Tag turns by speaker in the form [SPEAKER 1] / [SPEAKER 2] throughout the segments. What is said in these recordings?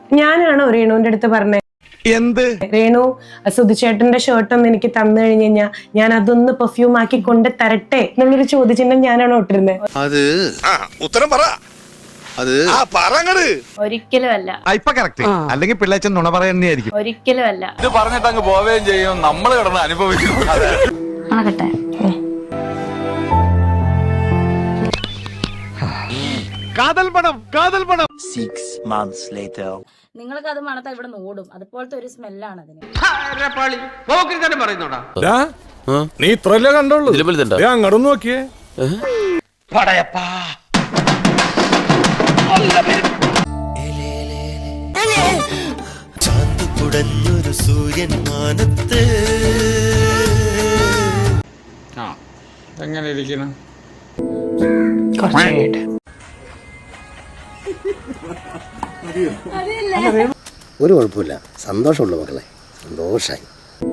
[SPEAKER 1] ഞാനാണോ രേണുവിന്റെ അടുത്ത് പറഞ്ഞത്
[SPEAKER 2] എന്ത്
[SPEAKER 1] രേണു സുധിച്ചേട്ടന്റെ ഷർട്ട് ഒന്ന് എനിക്ക് തന്നു കഴിഞ്ഞു കഴിഞ്ഞാൽ ഞാൻ അതൊന്ന് പെർഫ്യൂം ആക്കി കൊണ്ട് തരട്ടെ എന്നുള്ളൊരു ചോദ്യചിഹ്നം ഞാനാണോ ഇട്ടിരുന്നത്?
[SPEAKER 2] അത് ഉത്തരം പറ. അത്
[SPEAKER 3] ഒരിക്കലും അല്ല.
[SPEAKER 2] ഇപ്പൊ കറക്റ്റ്. അല്ലെങ്കിൽ പിള്ളേച്ചൻ നുണ പറയുന്നതായിരിക്കും.
[SPEAKER 3] ഒരിക്കലും അല്ല.
[SPEAKER 4] ഇത് പറഞ്ഞിട്ട് അങ്ങ് പോവുകയും ചെയ്യും, നമ്മൾ കിടന്ന് അനുഭവിക്കും.
[SPEAKER 3] ആകട്ടെ.
[SPEAKER 2] കാതൽ പണം
[SPEAKER 5] 6 months later.
[SPEAKER 3] നിങ്ങൾക്ക് അത് മണത്താ ഇവിടെ ഓടും. അതുപോലത്തെ ഒരു സ്മെല്ലാണ് അതിന്.
[SPEAKER 2] നീ ഇത്രല്ലേ കണ്ടോളൂ. അങ്ങോട്ട് നോക്കിയേ.
[SPEAKER 5] ചാന്തുകുടഞ്ഞൊരു സൂര്യൻ മാനത്ത്
[SPEAKER 4] എങ്ങനെ ഇരിക്കണം?
[SPEAKER 6] ഒരു കുഴപ്പമില്ല, സന്തോഷമുള്ള മക്കളെ, സന്തോഷായി.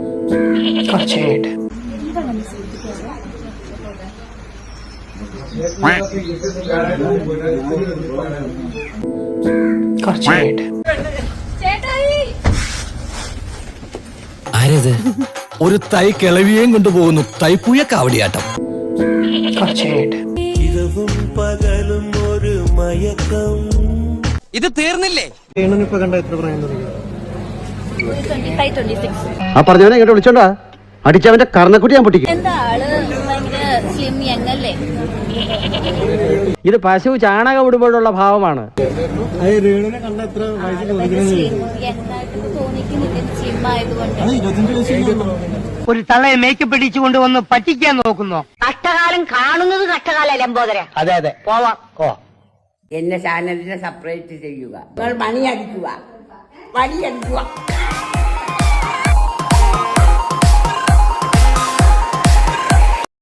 [SPEAKER 7] ആരത്? ഒരു തൈ കിളവിയേം കൊണ്ടുപോകുന്നു. തൈപ്പൂയ കാവടിയാട്ടം.
[SPEAKER 5] ഇരവും പകലും ഒരു മയക്കം.
[SPEAKER 7] ഇത് തീർന്നില്ലേ?
[SPEAKER 6] ആ പറഞ്ഞവനെ ഇങ്ങോട്ട് വിളിച്ചോണ്ടാ അടിച്ചവന്റെ കർണക്കുട്ടി ഞാൻ പൊട്ടിക്കും.
[SPEAKER 3] എന്താ ആള് ഭയങ്കര സ്ലിം യങ് അല്ലേ?
[SPEAKER 8] ഇത് പശു ചാണകം ഇടുമ്പോഴുള്ള ഭാവമാണ്. ഒരു തള്ളയെ മേക്കപ്പ് ഇടിച്ചുകൊണ്ട് വന്ന് പറ്റിക്കാൻ നോക്കുന്നോ?
[SPEAKER 9] കഷ്ടകാലം കാണുന്നത് കഷ്ടകാല ലംബോദര.
[SPEAKER 8] അതെ അതെ, പോവാം.
[SPEAKER 9] എന്നെ ചാനലിനെ സെപ്പറേറ്റ് ചെയ്യുക. നിങ്ങൾ മണിയടിക്കുക.